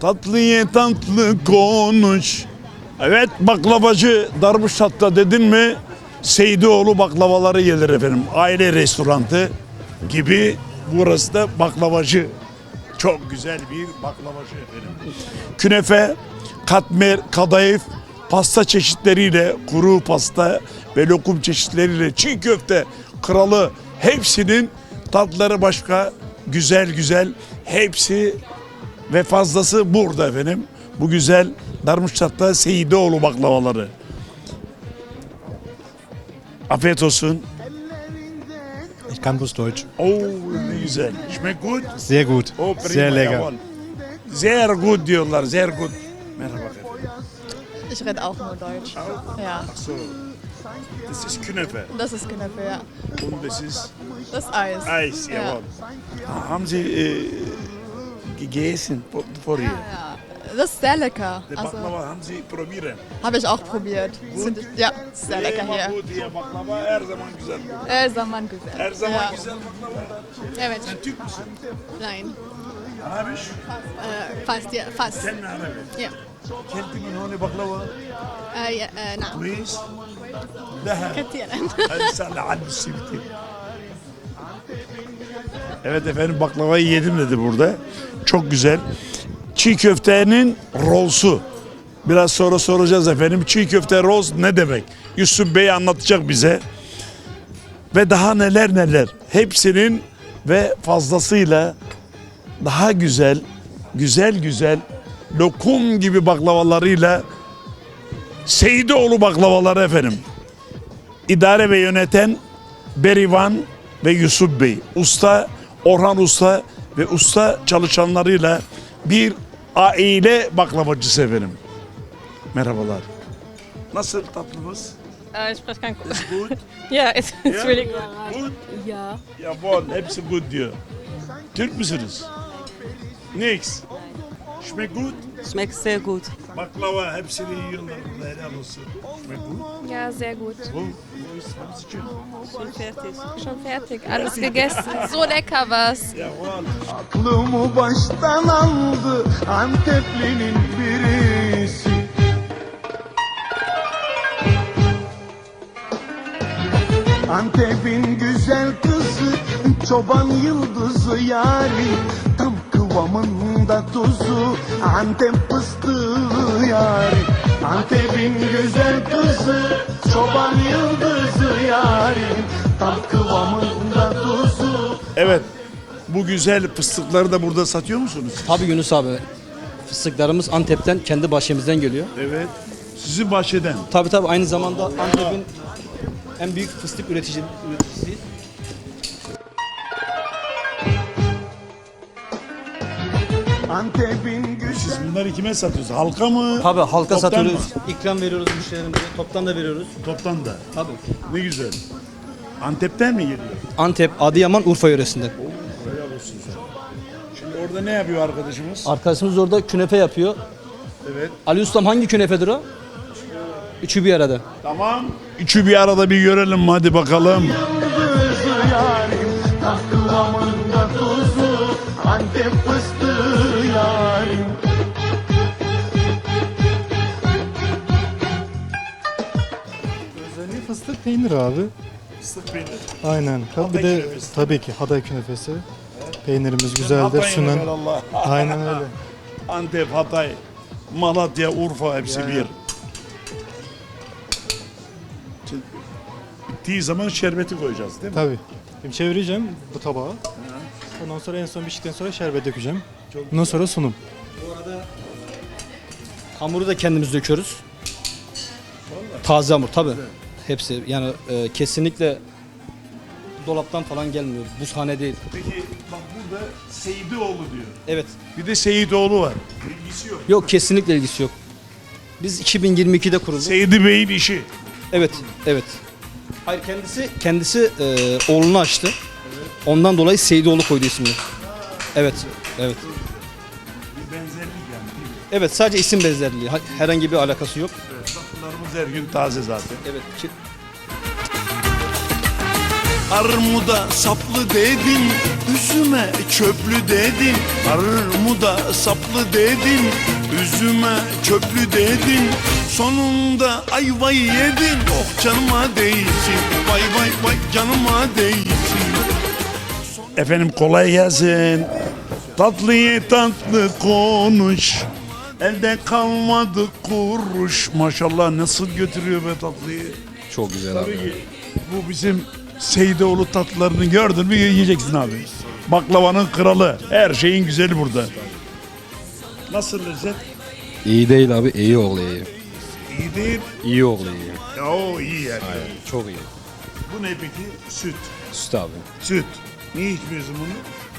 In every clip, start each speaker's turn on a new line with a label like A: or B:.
A: Tatlı ye tatlı konuş. Evet, baklavacı Darmstadt'ta dedin mi Seydoğlu baklavaları gelir efendim. Aile restoranı gibi, burası da baklavacı. Çok güzel bir baklavacı efendim. Künefe, katmer, kadayıf, pasta çeşitleriyle, kuru pasta ve lokum çeşitleriyle, çiğ köfte kralı, hepsinin tatları başka, güzel güzel, hepsi ve fazlası burada efendim. Bu güzel Darmstadt'ta Seydoğlu baklavaları. Afiyet olsun.
B: Ich kann bloß Deutsch.
A: Oh, ne güzel. Schmeckt gut?
B: Sehr gut.
A: Oh, prima,
B: Sehr lecker.
A: jawohl. Sehr gut diyorlar, sehr gut. Merhaba efendim.
C: Ich rede auch nur Deutsch. Ja,
A: So, das ist Künefe
C: das ist Knöpfe, ja.
A: und das ist
C: Das Eis.
A: Eis,
C: Ja.
A: jawohl. Haben Sie gegessen vorher?
C: Ja, das ist sehr lecker.
A: Die
C: Also
A: Baklava haben Sie probieren.
C: habe ich auch probiert. Ja, ist sehr lecker
A: Immer
C: hier.
A: gut hier, baklava her zaman güzel.
C: Zaman güzel.
A: Her zaman
C: Ja.
A: güzel baklava.
C: Evet.
A: Sen Türk müsün?
C: Nein.
A: Arabisch?
C: Fast, ja, fast.
A: Sen ne Arabi?
C: Ja.
A: Kelti min honi baklava.
C: Ja, na.
A: كويس؟ ذهب.
C: Katiyen.
A: Hadi sen de hadi sivti. Evet efendim, baklavayı yedim dedi burada. Çok güzel. Çiğ köftenin rolsu. Biraz sonra soracağız efendim. Çiğ köfte roz ne demek? Yusuf Bey anlatacak bize. Ve daha neler neler. Hepsinin ve fazlasıyla daha güzel, güzel lokum gibi baklavalarıyla Seydoğlu baklavaları efendim. İdare ve yöneten Berivan ve Yusuf Bey. Usta Orhan Usta ve usta çalışanlarıyla bir aile baklavacısı efendim. Merhabalar. Nasıl tatlımız?
D: Ich spreche kein Gut.
A: Good.
D: Ja, es ist really gut.
A: Good.
D: Ja.
A: Jawohl, hepsi good diyor. Türk müsünüz? Nix. Schmeckt gut.
E: Schmeckt sehr gut.
A: Baklava hepsini yiyorlar burada, helal olsun. Schmeckt gut.
F: Ja, sehr gut.
A: Wo ist was ist schön?
E: Schon fertig.
F: Schon fertig. Alles gegessen. So lecker was.
A: Jawohl.
G: Aklımı baştan aldı Anteplinin birisi. Antep'in güzel kızı, çoban yıldızı yari, tam kıvamında tuzu, Antep fıstığı yari. Antep'in güzel kızı, çoban yıldızı yari, tam kıvamında tuzu.
A: Evet. Bu güzel fıstıkları da burada satıyor musunuz?
H: Tabii Yunus abi. Fıstıklarımız Antep'ten, kendi bahçemizden geliyor.
A: Evet. Sizin bahçeden.
H: Tabii aynı zamanda Antep'in en büyük fıstık üreticisi.
G: Antep'in güzel.
A: Bunları kime satıyorsunuz? Halka mı?
H: Tabii halka
A: Toptan
H: satıyoruz.
A: mı?
H: İkram veriyoruz müşterilerimize. Toptan da veriyoruz.
A: Toptan da.
H: Tabii.
A: Ne güzel. Antep'ten mi geliyor?
H: Antep, Adıyaman, Urfa yöresinden.
A: Helal olsun sen. Şimdi orada ne yapıyor arkadaşımız?
H: Arkadaşımız orada künefe yapıyor.
A: Evet.
H: Ali Ustam hangi künefedir o? Üçü bir arada.
A: Tamam. Üçü bir arada bir görelim hadi bakalım.
G: Yıldızı yarim, tam kıvamında tuzu, Antep fıstığı yarim.
B: Özelliği fıstık peynir abi.
A: Fıstık peynir.
B: Aynen.
A: Hatay
B: Bir de
A: künefesi.
B: tabii ki Hatay künefesi. Peynirimiz güzeldir.
A: Hatay'ın
B: Sunan.
A: evelallah.
B: Aynen öyle.
A: Antep, Hatay, Malatya, Urfa hepsi
B: Ya.
A: bir. Şimdi bittiği zaman şerbeti koyacağız değil mi?
B: Tabii. Şimdi çevireceğim bu tabağı. Ondan sonra en son piştikten sonra şerbet dökeceğim. Ondan sonra sunum.
H: Hamuru da kendimiz döküyoruz. Taze hamur tabii. Hepsi yani kesinlikle dolaptan falan gelmiyor. Buzhane değil.
A: Peki bak burada Seydoğlu diyor.
H: Evet.
A: Bir de Seyidoğlu var. İlgisi yok.
H: Yok kesinlikle ilgisi yok. Biz 2022'de kurulduk.
A: Seydi Bey'in işi.
H: Evet. Hayır kendisi oğlunu açtı. Ondan dolayı Seydoğlu koydu ismini. Evet.
A: Bir benzerlik yani. değil mi?
H: Evet sadece isim benzerliği. Herhangi bir alakası yok.
A: Tatlılarımız her gün taze zaten.
H: Evet.
G: Armuda saplı dedin, üzüme çöplü dedin. Armuda saplı dedin, üzüme çöplü dedin. Sonunda ayvayı yedin, oh canıma değsin. Vay vay vay canıma değsin.
A: Efendim kolay gelsin. Tatlıyı tatlı konuş. Elde kalmadı kuruş. Maşallah nasıl götürüyor be tatlıyı.
I: Çok güzel
A: Tabii
I: abi.
A: ki bu bizim Seyidoğlu tatlılarını gördün mü yiyeceksin abi. Baklavanın kralı. Her şeyin güzeli burada. Nasıl lezzet?
I: İyi değil abi, iyi oğlu iyi.
A: İyi değil.
I: İyi oğlu iyi.
A: Ya o iyi yani.
I: Aynen, çok iyi.
A: Bu ne peki? Süt.
I: Süt abi.
A: Süt. Niye içmiyorsun bunu?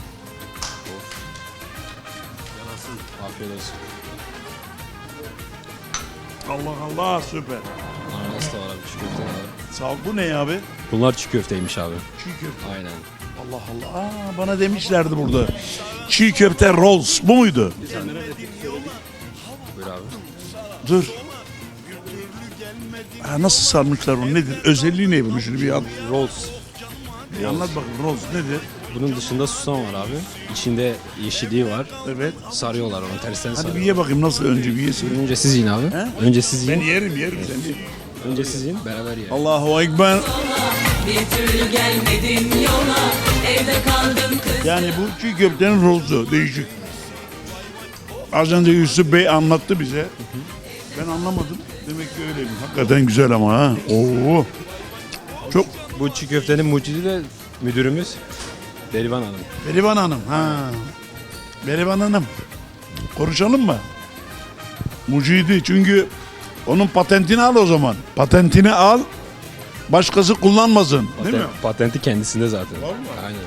I: Afiyet olsun.
A: Allah Allah süper.
I: Ananas da var abi, çiğ köfte var abi.
A: Sağ ol. Bu ne abi?
I: Bunlar çiğ köfteymiş abi.
A: Çiğ köfte.
I: Aynen.
A: Allah Allah. Aa, bana demişlerdi burada. Çiğ köfte rolls. Bu muydu?
I: Buyur abi.
A: Dur. Ha, nasıl sarmışlar onu? Nedir? Özelliği ne bunun? Şunu bir an.
I: Rolls.
A: Bir anlat bakın. Rolls nedir?
I: Bunun dışında susam var abi. İçinde yeşilliği var.
A: Evet.
I: Sarıyorlar onu, tersten
A: Hadi bir
I: sarıyorlar.
A: ye bakayım nasıl önce bir yesin.
I: Önce siz yiyin abi.
A: He?
I: Önce siz
A: Ben
I: yiyin.
A: yerim sen ye.
I: Önce siz yiyin, beraber yiyin.
A: Allahu Ekber. Yani bu çiğ köftenin rozu değişik. Az önce Yusuf Bey anlattı bize. Ben anlamadım. Demek ki öyleymiş. Hakikaten güzel ama ha. Oo. Çok.
I: Bu çiğ köftenin mucidi de müdürümüz Berivan Hanım.
A: Berivan Hanım. Ha. Berivan Hanım. Konuşalım mı? Mucidi çünkü onun patentini al o zaman. Patentini al. Başkası kullanmasın. Değil mi?
I: Patenti kendisinde zaten. Aynen.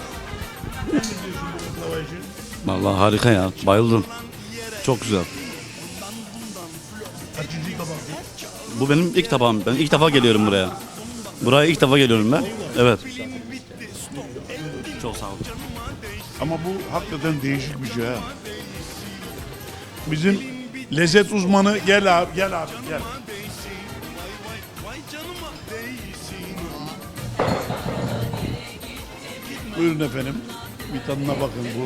J: Vallahi harika ya. Bayıldım. Çok güzel. Bu benim ilk tabağım. Ben ilk defa geliyorum buraya. Buraya ilk defa geliyorum ben. Evet. Çok sağ olun.
A: Ama bu hakikaten değişik bir şey ha. Bizim lezzet uzmanı gel abi gel. Buyurun efendim. Bir tadına bakın bu.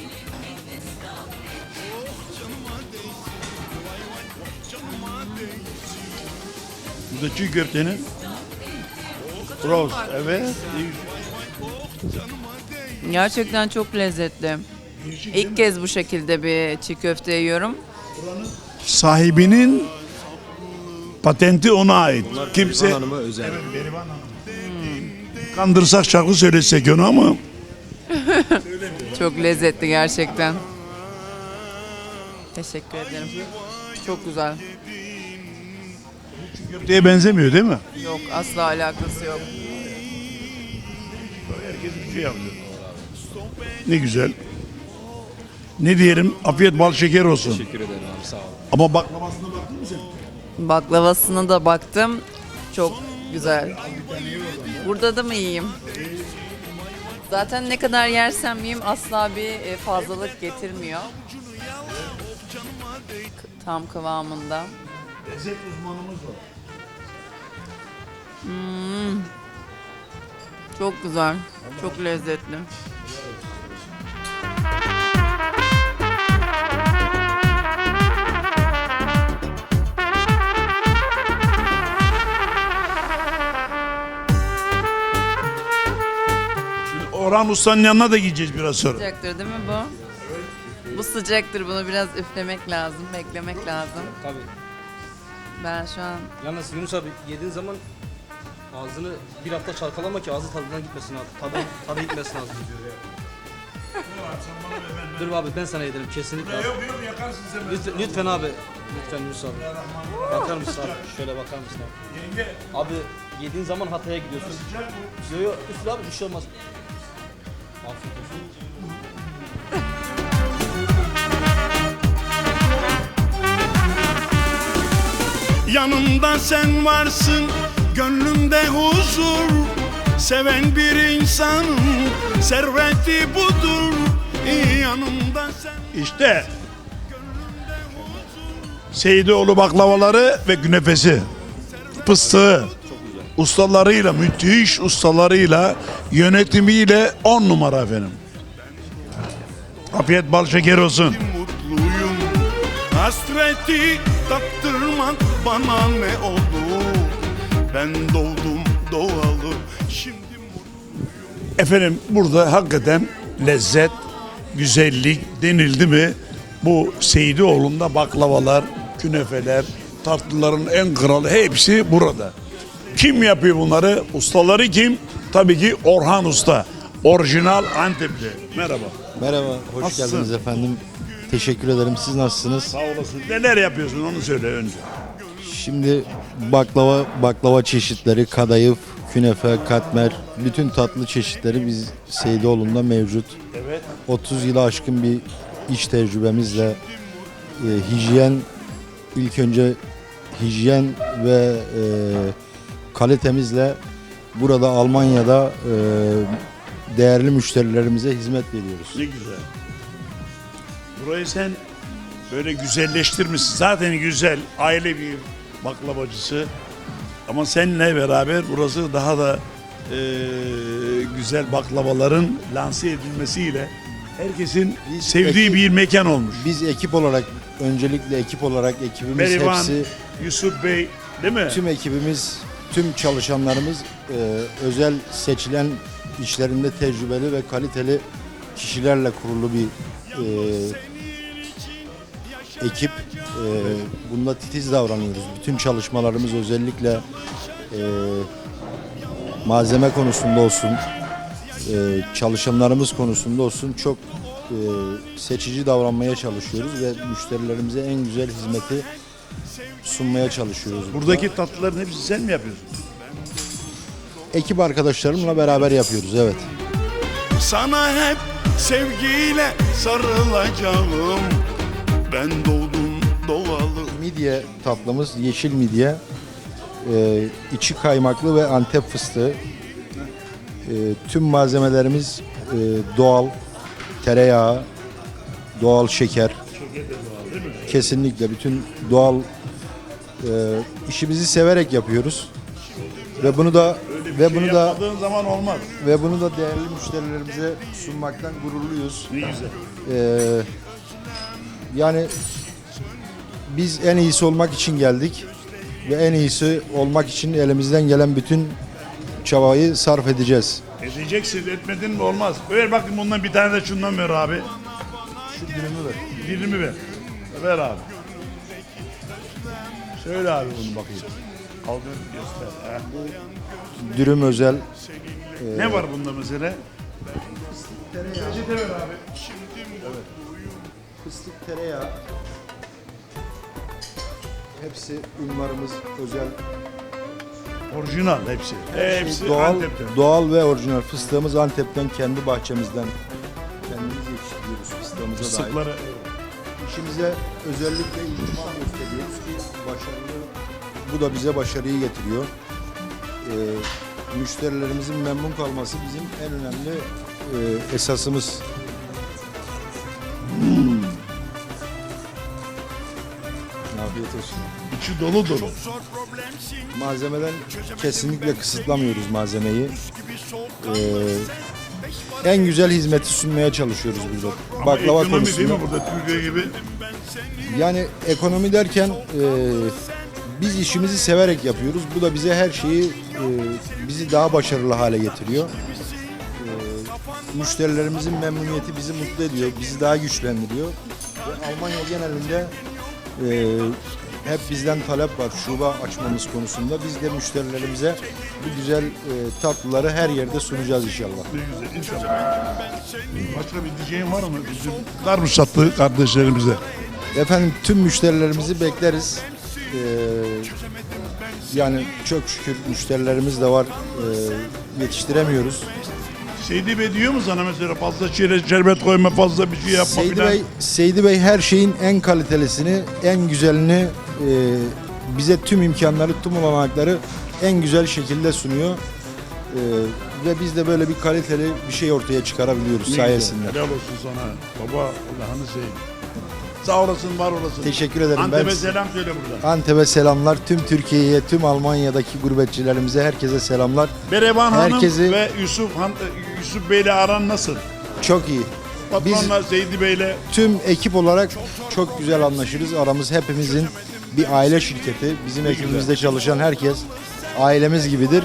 A: Bu da çiğ köftenin roast. Evet.
E: Gerçekten çok lezzetli. İlk kez bu şekilde bir çiğ köfte yiyorum.
A: Sahibinin patenti ona ait. Kimse
I: Berivan Hanım'a özel.
A: kandırsak şarkı söylesek onu ama
E: Çok lezzetli gerçekten. Teşekkür ederim. Çok güzel.
A: köfteye benzemiyor değil mi?
E: Yok, asla alakası yok.
A: Herkes bir şey yapıyor. Ne güzel. Ne diyelim? Afiyet bal şeker olsun.
I: Teşekkür ederim abi, sağ ol.
A: Ama baklavasına baktın mı sen?
E: Baklavasına da baktım. Çok güzel. Burada da mı yiyeyim? Zaten ne kadar yersem yiyeyim asla bir fazlalık getirmiyor. Tam kıvamında.
A: Lezzet uzmanımız var.
E: Çok güzel. Çok lezzetli.
A: Orhan Usta'nın yanına da gideceğiz biraz sonra.
E: Sıcaktır değil mi bu? Bu sıcaktır. Bunu biraz üflemek lazım, beklemek lazım.
H: Tabii.
E: Ben şu an
H: Yalnız Yunus abi yediğin zaman ağzını bir hafta çalkalama ki ağzı tadından gitmesin abi. Tadı gitmesin ağzına. Dur abi ben sana yedirim kesinlikle abi.
A: Yok yakarsın sen.
H: Lütfen abi. Lütfen Yunus abi. Bakar mısın abi? Şöyle bakar mısın abi?
A: Yenge.
H: Abi yediğin zaman Hatay'a gidiyorsun. Yo yo üfle abi bir şey olmaz. Afiyet olsun.
G: Yanımda sen varsın, gönlümde huzur. Seven bir insanın serveti budur. Yanımda sen.
A: İşte Seyidoğlu baklavaları ve künefesi. Fıstığı. ustalarıyla, müthiş ustalarıyla, yönetimiyle 10 numara efendim. Afiyet bal şeker olsun.
G: Mutluyum. Hasreti tattırmak bana ne olur? Ben doğdum doğalı. Şimdi
A: Efendim burada hakikaten lezzet, güzellik denildi mi bu Seyidioğlu'nda baklavalar, künefeler, tatlıların en kralı hepsi burada. Kim yapıyor bunları? Ustaları kim? Tabii ki Orhan Usta. Orijinal Antepli. Merhaba.
K: Merhaba, hoş
A: Nasılsın?
K: geldiniz efendim. Teşekkür ederim. Siz nasılsınız?
A: Sağ olasın. Neler yapıyorsun onu söyle önce.
K: Şimdi baklava çeşitleri, kadayıf, künefe, katmer, bütün tatlı çeşitleri biz Seyidioğlu'nda mevcut.
A: Evet.
K: 30 yılı aşkın bir iş tecrübemizle hijyen, ilk önce hijyen ve kalitemizle burada Almanya'da değerli müşterilerimize hizmet veriyoruz.
A: Ne güzel. Burayı sen böyle güzelleştirmişsin. Zaten güzel, aile bir baklavacısı. Ama seninle beraber burası daha da güzel baklavaların lanse edilmesiyle herkesin sevdiği bir mekan olmuş.
K: Biz ekip olarak, öncelikle ekip olarak ekibimiz
A: Merivan,
K: hepsi,
A: Yusuf Bey değil mi?
K: tüm ekibimiz, tüm çalışanlarımız özel seçilen işlerinde tecrübeli ve kaliteli kişilerle kurulu bir ekip. Bunda titiz davranıyoruz. Bütün çalışmalarımız özellikle malzeme konusunda olsun, çalışanlarımız konusunda olsun çok seçici davranmaya çalışıyoruz ve müşterilerimize en güzel hizmeti sunmaya çalışıyoruz.
A: Buradaki tatlıların hepsini sen mi yapıyorsun?
K: Ekip arkadaşlarımla beraber yapıyoruz, evet.
G: sana hep sevgiyle sarılacağım. Ben doğdum doğalı.
K: Midye tatlımız yeşil midye. İçi kaymaklı ve Antep fıstığı. Tüm malzemelerimiz doğal, tereyağı, doğal şeker. Kesinlikle bütün doğal işimizi severek yapıyoruz. Ve bunu da
A: Yapmadığın zaman olmaz.
K: değerli müşterilerimize sunmaktan gururluyuz.
A: Ne güzel.
K: Yani biz en iyisi olmak için geldik ve en iyisi olmak için elimizden gelen bütün çabayı sarf edeceğiz.
A: Edeceksin, etmedin mi olmaz. Ver bakayım bundan bir tane de şundan ver abi.
K: Şu dilimi ver.
A: Dilimi ver. Ver abi. Söyle abi bunu bakayım. Aldın göster. Ha.
K: Dürüm özel.
A: Ne var bunda mesela? Reçete ver abi.
K: Fıstık tereyağı. Hepsi ünvarımız özel.
A: Orijinal hepsi. Hepsi
K: Doğal,
A: Antep'ten.
K: doğal ve orijinal fıstığımız Antep'ten kendi bahçemizden kendimiz yetiştiriyoruz fıstığımıza dair.
A: Fıstıkları.
K: İşimize özellikle ihtimam gösteriyoruz ki başarılı, bu da bize başarıyı getiriyor. Müşterilerimizin memnun kalması bizim en önemli esasımız. Afiyet olsun.
A: İçi dolu dolu.
K: Malzemeden kesinlikle kısıtlamıyoruz malzemeyi. En güzel hizmeti sunmaya çalışıyoruz burada.
A: Ama
K: Baklava
A: ekonomi
K: konusunda.
A: değil mi burada Türkiye gibi?
K: Yani ekonomi derken biz işimizi severek yapıyoruz. Bu da bize her şeyi bizi daha başarılı hale getiriyor. Müşterilerimizin memnuniyeti bizi mutlu ediyor, bizi daha güçlendiriyor. Ve Almanya genelinde hep bizden talep var şube açmamız konusunda. Biz de müşterilerimize bu güzel tatlıları her yerde sunacağız inşallah.
A: Ne güzel inşallah. Başka bir diyeceğin var mı? Bizim Darmstadtlı kardeşlerimize.
K: Efendim tüm müşterilerimizi bekleriz. Yani çok şükür müşterilerimiz de var. Yetiştiremiyoruz.
A: Seydi Bey diyor mu sana mesela fazla şerbet koyma, fazla bir şey yapma filan?
K: Seydi Bey her şeyin en kalitelisini, en güzelini bize tüm imkanları, tüm olanakları en güzel şekilde sunuyor. Ve biz de böyle bir kaliteli bir şey ortaya çıkarabiliyoruz
A: Ne
K: sayesinde.
A: güzel, helal olsun sana. Baba Allah'ını seveyim. Sağ olasın, var olasın.
K: Teşekkür ederim.
A: Antep'e selam söyle buradan.
K: Antep'e selamlar. Tüm Türkiye'ye, tüm Almanya'daki gurbetçilerimize herkese selamlar.
A: Berevan
K: Herkesi-
A: Hanım ve Yusuf Bey'le aran nasıl?
K: Çok iyi.
A: Patronla Seydi Bey'le
K: Tüm ekip olarak çok güzel anlaşırız. Aramız hepimizin bir aile şirketi. Bizim ekibimizde çalışan herkes ailemiz gibidir.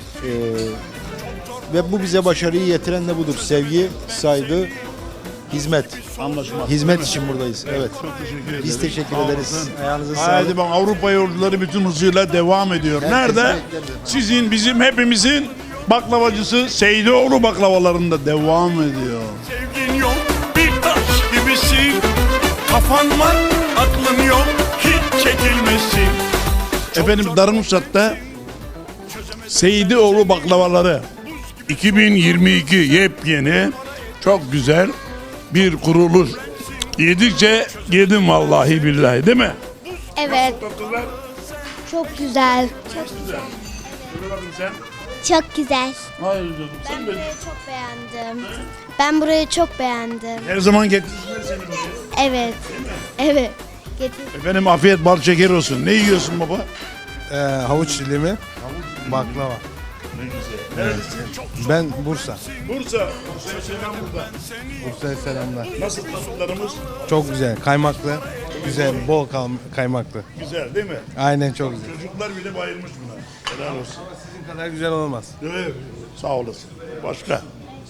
K: Ve bu bize başarıyı getiren de budur. Sevgi, saygı, hizmet.
A: anlaşma.
K: Hizmet için buradayız. Evet.
A: Çok teşekkür ederim.
K: Biz teşekkür
A: Sağ
K: ederiz.
A: olasın.
K: Ayağınıza
A: Haydi
K: sağlık.
A: bak, Avrupa yolcuları bütün hızıyla devam ediyor.
K: Herkese
A: Nerede?
K: bekleriz.
A: Sizin, bizim, hepimizin baklavacısı Seydioğlu baklavalarında devam ediyor.
G: Sevgin yok bir taş gibisin. Kafan var aklın yok hiç çekilmesin.
A: Efendim Darmstadt'ta Seydioğlu baklavaları 2022 yepyeni, çok güzel bir kuruluş. Yedikçe yedim vallahi billahi, değil mi?
L: Evet, çok güzel.
A: Şöyle bakın sen.
L: Çok güzel.
A: Hayır canım, sen de
L: Çok beğendim. Ben burayı çok beğendim.
A: her zaman getirsinler seni buraya.
L: Evet. Evet. Getir.
A: Efendim afiyet bal şeker olsun. Ne yiyorsun baba?
K: Havuç dilimi, baklava.
A: Ne güzel. Neredesin?
K: Ben Bursa.
A: Bursa. Bursa'ya selam burada.
K: Bursa'ya selamlar.
A: Nasıl tatlılarımız?
K: Çok güzel, kaymaklı. Güzel, bol kaymaklı.
A: Güzel değil mi?
K: Aynen çok güzel.
A: Çocuklar bile bayılmış buna. Helal olsun.
K: Sizin kadar güzel olmaz.
A: Evet. Sağ olasın. Başka?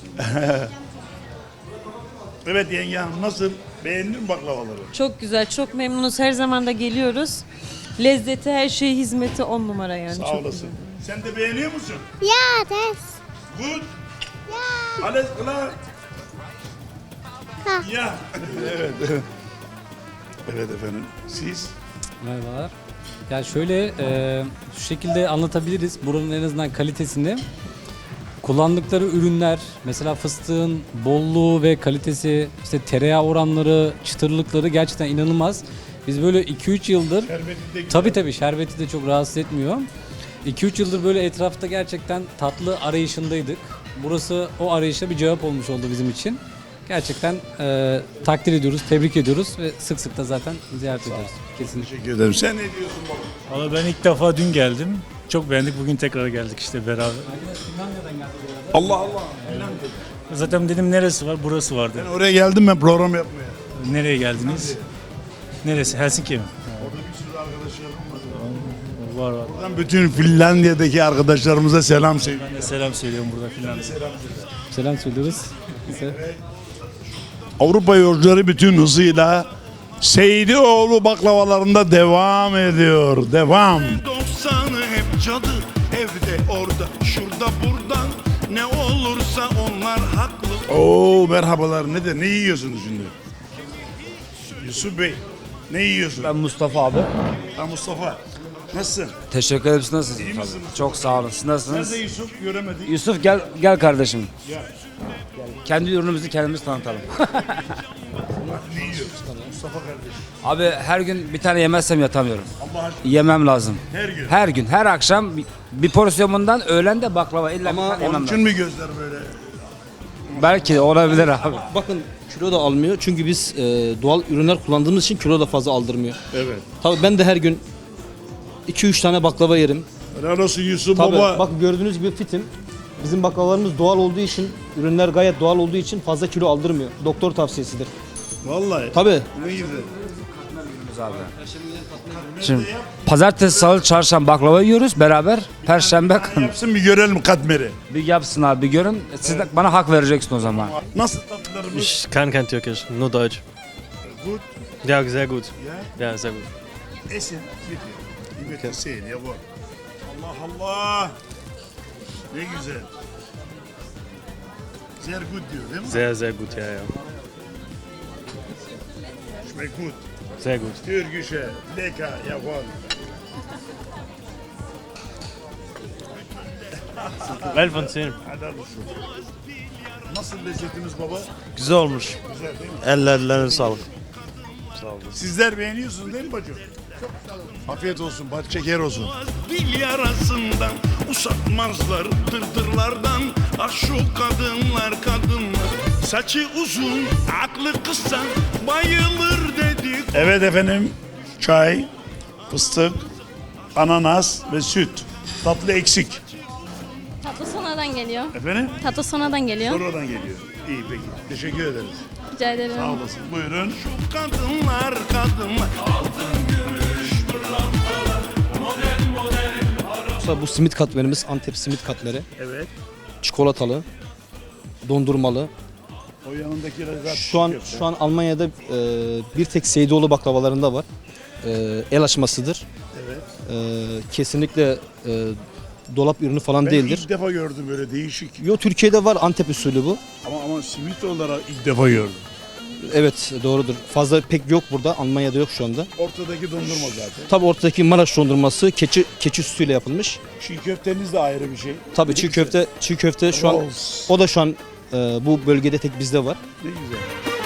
A: Evet yenge hanım, nasıl? Beğendin mi baklavaları?
D: Çok güzel, çok memnunuz. Her zaman da geliyoruz. Lezzeti, her şey, hizmeti 10 numara yani.
A: Sağ
D: çok
A: olasın. Sen de beğeniyor musun?
L: Ya, das.
A: Good. Alles klar.
L: Ha.
A: Ya. Evet. Evet efendim. Siz?
M: Merhabalar. Ya şöyle şu şekilde anlatabiliriz buranın en azından kalitesini. Kullandıkları ürünler, mesela fıstığın bolluğu ve kalitesi, işte tereyağı oranları, çıtırlıkları gerçekten inanılmaz. Biz böyle 2-3 yıldır,
A: Şerbeti de güzel.
M: tabii şerbeti de çok rahatsız etmiyor. 2-3 yıldır böyle etrafta gerçekten tatlı arayışındaydık. Burası o arayışa bir cevap olmuş oldu bizim için. Gerçekten takdir ediyoruz, tebrik ediyoruz ve sık sık da zaten ziyaret ediyoruz. Kesinlikle.
A: Teşekkür ederim. Sen ne diyorsun baba?
B: Valla ben ilk defa dün geldim. Çok beğendik. Bugün tekrar geldik işte beraber.
A: Allah Allah.
B: Zaten dedim neresi var? Burası vardı.
A: Ben oraya geldim ben program yapmaya.
B: Nereye geldiniz? Neresi? Helsinki mi?
A: Orada bir sürü arkadaşlarım var.
B: Var.
A: Buradan bütün Finlandiya'daki arkadaşlarımıza selam söyle.
B: Ben de selam söylüyorum burada filan.
M: Selam söylüyoruz.
A: Avrupa yolcuları bütün hızıyla Seydioğlu baklavalarında devam ediyor. Devam.
G: 90'ı hep cadı evde orada şurada buradan ne olursa onlar haklı.
A: Oo merhabalar. Ne yiyorsunuz şimdi? Yusuf Bey. Ne yiyorsun?
H: Ben Mustafa abi.
A: Ha Mustafa. Nasılsın?
H: Teşekkür ederim. Siz nasılsınız?
A: İyi misin?
H: Çok sağ olun. Siz nasılsınız?
A: Nerede Yusuf? Göremedik.
H: Yusuf gel kardeşim.
A: Ya.
H: Kendi ürünümüzü kendimiz tanıtalım.
A: Ne yiyorsun? Mustafa kardeşim.
H: Abi her gün bir tane yemezsem yatamıyorum.
A: Allah aşkına.
H: Yemem lazım.
A: Her gün.
H: Her gün, her akşam bir porsiyon bundan, öğlen de baklava. İlla bir tane
A: Onun
H: yemem
A: için
H: lazım.
A: mi gözler böyle?
H: Belki de olabilir abi.
N: Bakın kilo da almıyor çünkü biz doğal ürünler kullandığımız için kilo da fazla aldırmıyor.
A: Evet.
N: Tabii ben de her gün 2-3 tane baklava yerim.
A: Helal olsun Yusuf
N: Tabii
A: baba.
N: bak gördüğünüz gibi fitim. Bizim baklavalarımız doğal olduğu için, ürünler gayet doğal olduğu için fazla kilo aldırmıyor. Doktor tavsiyesidir.
A: Vallahi.
N: Tabii.
A: Ne güzel.
H: Şimdi pazartesi, salı, çarşamba baklava yiyoruz beraber. Perşembe
A: Yapsın bir görelim katmeri.
H: bir yapsın abi, bir görün. Siz de bana hak vereceksin o zaman.
A: Nasıl tatlılarımız?
B: Ich kann kein Türkisch, nur Deutsch.
A: Gut.
B: Ja, sehr gut.
A: Ya.
B: Ja, sehr gut.
A: Esin. Bitti. Evet, Hüseyin ya bu. Allah Allah. Ne güzel. Sehr gut diyor değil mi?
B: Sehr, sehr gut, ja, ja.
A: Schmeckt gut.
B: Sehr gut.
A: Türkische, lecker, jawohl.
B: Well von 10.
A: Helal olsun. Nasıl lezzetimiz baba?
B: Güzel olmuş.
A: Güzel değil mi?
B: Ellerine sağlık.
A: Sizler beğeniyorsunuz değil mi bacım? Afiyet olsun, bal şeker olsun.
G: Dil yarasından usatmazlar dırdırlardan. Ah şu kadınlar kadınlar saçı uzun aklı kısa bayılır dedi.
A: Evet efendim, çay, fıstık, ananas ve süt. Tatlı eksik.
O: Tatlı sonradan geliyor.
A: Efendim?
O: Tatlı sonradan geliyor.
A: Sonradan geliyor. İyi peki. Teşekkür ederiz.
O: Rica ederim.
A: Sağ olasın. Buyurun.
G: Kadınlar
H: Mesela bu simit katmerimiz Antep simit katmeri.
A: Evet.
H: Çikolatalı, dondurmalı.
A: O yanındakiler zaten
H: Şu an Almanya'da bir tek Seydoğlu baklavalarında var. El açmasıdır.
A: Evet.
H: Kesinlikle dolap ürünü falan
A: Ben
H: değildir.
A: ilk defa gördüm böyle değişik.
H: Yo, Türkiye'de var Antep usulü bu.
A: Ama simit olarak ilk defa gördüm.
H: Evet, doğrudur. Fazla pek yok burada. Almanya'da yok şu anda.
A: Ortadaki dondurma zaten.
H: Tabii ortadaki Maraş dondurması keçi sütüyle yapılmış.
A: Çiğ köfteniz de ayrı bir şey.
H: Tabii çiğ köfte şu an
A: Rolls.
H: o da şu an bu bölgede tek bizde var.
A: Ne güzel.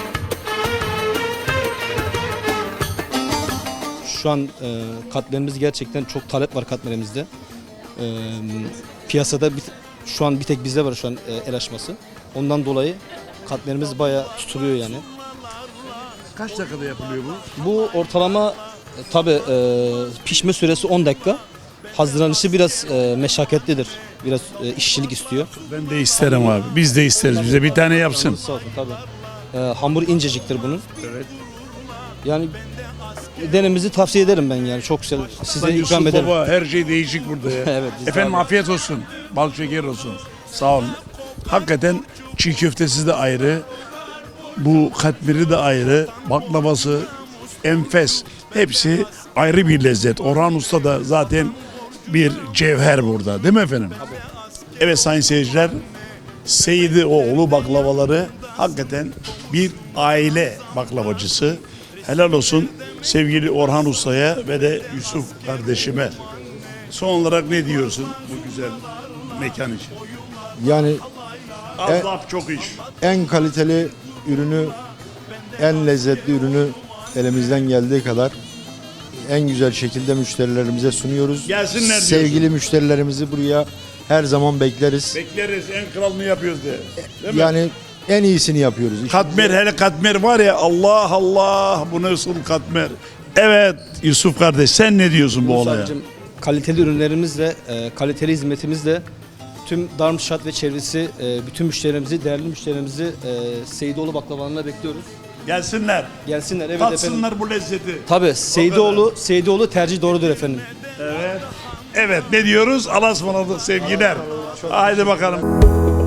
H: Şu an katmerimiz gerçekten çok talep var katmerimizde. Piyasada şu an bir tek bizde var şu an el açması. Ondan dolayı katmerimiz bayağı tutuluyor yani.
A: Kaç dakikada yapılıyor bu?
H: Bu ortalama tabii pişme süresi 10 dakika. Hazırlanışı biraz meşakkatlidir. Biraz işçilik istiyor.
A: Ben de isterim abi. Biz de isteriz. Bize bir tane yapsın.
H: Sağ olsun, tabii. Hamur inceciktir bunun.
A: Evet.
H: Yani denemenizi tavsiye ederim ben yani. Çok güzel. Size
A: Yusuf
H: ikram ederim.
A: Baba, her şey değişik burada ya.
H: Evet, biz de
A: Efendim
H: abi.
A: afiyet olsun. Bal şeker olsun. Sağ olun. Hakikaten çiğ köftesi de ayrı. Bu katmeri de ayrı. Baklavası, enfes. Hepsi ayrı bir lezzet. Orhan Usta da zaten bir cevher burada. Değil mi efendim? Evet sayın seyirciler. Seyidioğlu baklavaları hakikaten bir aile baklavacısı. Helal olsun sevgili Orhan Usta'ya ve de Yusuf kardeşime. Son olarak ne diyorsun bu güzel mekan için?
K: Yani
A: Az laf çok iş.
K: en kaliteli ürünü, en lezzetli ürünü elimizden geldiği kadar en güzel şekilde müşterilerimize sunuyoruz.
A: Gelsinler diyorsun.
K: Sevgili müşterilerimizi buraya her zaman bekleriz.
A: Bekleriz, en kralını yapıyoruz diye. Değil mi?
K: Yani en iyisini yapıyoruz.
A: Katmer, hele katmer var ya, Allah Allah, bu nasıl katmer. Evet Yusuf kardeş, sen ne diyorsun bu olaya?
H: Sadece kaliteli ürünlerimizle, kaliteli hizmetimizle tüm Darmstadt ve çevresi, bütün müşterilerimizi, değerli müşterilerimizi Seydoğlu baklavalarına bekliyoruz.
A: Gelsinler.
H: Gelsinler, evet
A: Tatsınlar
H: efendim.
A: bu lezzeti.
H: Tabii Seydoğlu tercih doğrudur efendim.
A: Evet. Evet, ne diyoruz? Allah'a ısmarladık sevgiler. Haydi bakalım.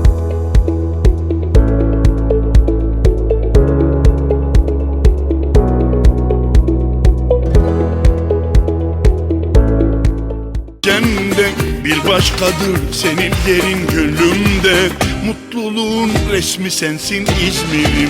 G: Cende bir başkadır senin yerin gönlümde. Mutluluğun resmi sensin İzmir'im.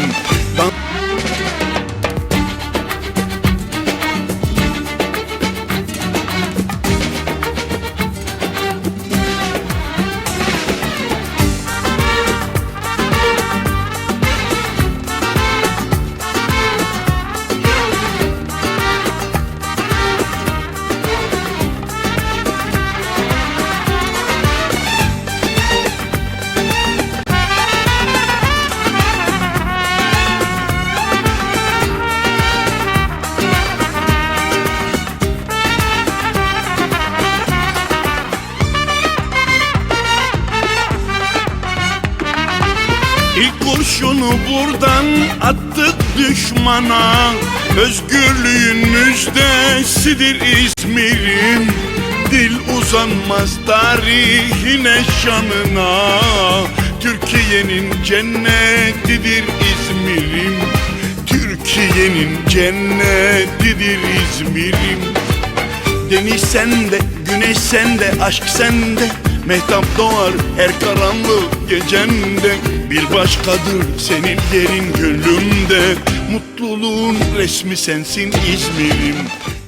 G: İlk kurşunu buradan attık düşmana. Özgürlüğün müjdesidir İzmir'im. Dil uzanmaz tarihine şanına. Türkiye'nin cennetidir İzmir'im. Türkiye'nin cennetidir İzmir'im. Deniz sende, güneş sende, aşk sende. Mehtap doğar her karanlık gecende. Bir başkadır senin yerin gönlümde. Mutluluğun resmi sensin İzmir'im.